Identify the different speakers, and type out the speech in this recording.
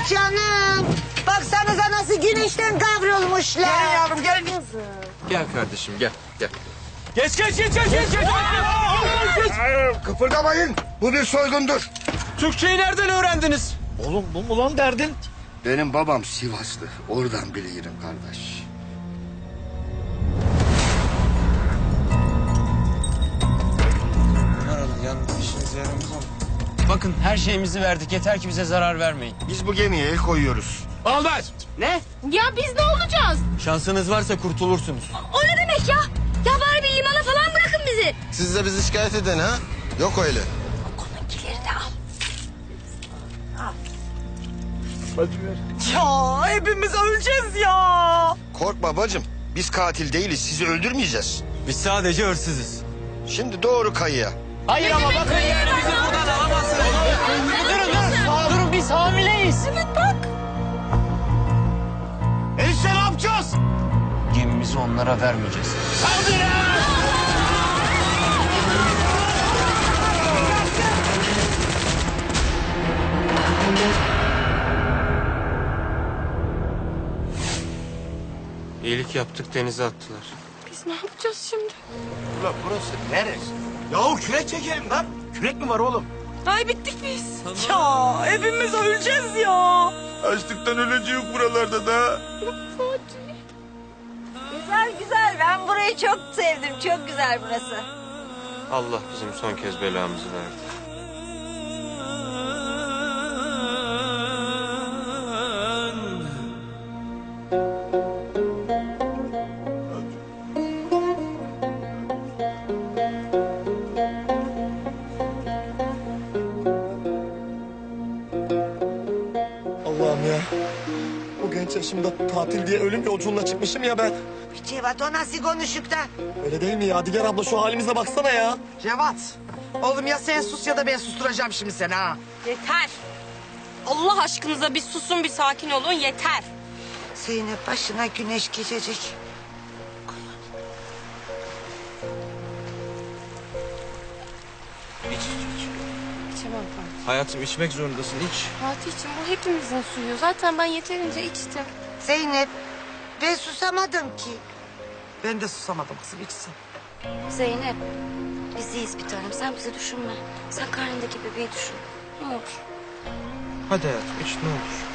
Speaker 1: canım. Baksanıza nasıl güneşten kavrulmuşlar.
Speaker 2: Gelin yavrum gelin.
Speaker 3: Gel kardeşim gel.
Speaker 2: Geç.
Speaker 4: Kıpırdamayın. Bu bir soygundur.
Speaker 3: Türkçeyi nereden öğrendiniz?
Speaker 2: Oğlum bu mu lan derdin?
Speaker 4: Benim babam Sivaslı. Oradan bilirim kardeş.
Speaker 3: Bakın her şeyimizi verdik. Yeter ki bize zarar vermeyin.
Speaker 4: Biz bu gemiye el koyuyoruz.
Speaker 3: Olmaz.
Speaker 2: Ne?
Speaker 5: Ya biz ne olacağız?
Speaker 3: Şansınız varsa kurtulursunuz.
Speaker 5: O ne demek ya? Ya bari bir limana falan bırakın bizi.
Speaker 6: Siz de bizi şikayet edin ha? Yok öyle.
Speaker 5: Onunkileri de al.
Speaker 2: Ya hepimiz öleceğiz ya.
Speaker 4: Korkma bacım. Biz katil değiliz. Sizi öldürmeyeceğiz.
Speaker 3: Biz sadece hırsızız.
Speaker 4: Şimdi doğru kayıya.
Speaker 3: Hayır ama bakın yani bizi buradan alamazsınız. Durun biz hamileyiz.
Speaker 5: Evet bak.
Speaker 2: Enişte ne yapacağız?
Speaker 3: Gemimizi onlara vermeyeceğiz. İyilik yaptık denize attılar.
Speaker 5: Biz ne yapacağız şimdi?
Speaker 2: Ulan burası neresi? Yahu kürek çekelim lan. Kürek mi var oğlum?
Speaker 5: Ay bittik biz. Ya hepimiz öleceğiz ya.
Speaker 4: Açlıktan öleceğiz buralarda da.
Speaker 1: Güzel. Ben burayı çok sevdim. Çok güzel burası.
Speaker 3: Allah bizim son kez belamızı verdi.
Speaker 7: Allah'ım ya. Bu genç yaşımda tatil diye ölüm yolculuğuna çıkmışım ya ben.
Speaker 1: Cevat o nasıl konuşuk da?
Speaker 7: Öyle değil mi ya? Diger abla şu halimize baksana ya.
Speaker 2: Cevat. Oğlum ya sen sus ya da ben susturacağım şimdi seni ha.
Speaker 5: Yeter. Allah aşkınıza bir susun bir sakin olun yeter.
Speaker 1: Zeynep başına güneş geçecek.
Speaker 5: İçemem Fatih.
Speaker 3: Hayatım içmek zorundasın iç.
Speaker 5: Fatih'ciğim bu hepimizin suyu. Zaten ben yeterince içtim.
Speaker 1: Zeynep ben susamadım ki.
Speaker 2: Ben de susamadım kızım içsin.
Speaker 5: Zeynep biz iyiyiz bir tanem. Sen bizi düşünme. Sen karnındaki bebeği düşün. Ne olur.
Speaker 3: Hadi hayatım iç ne olur.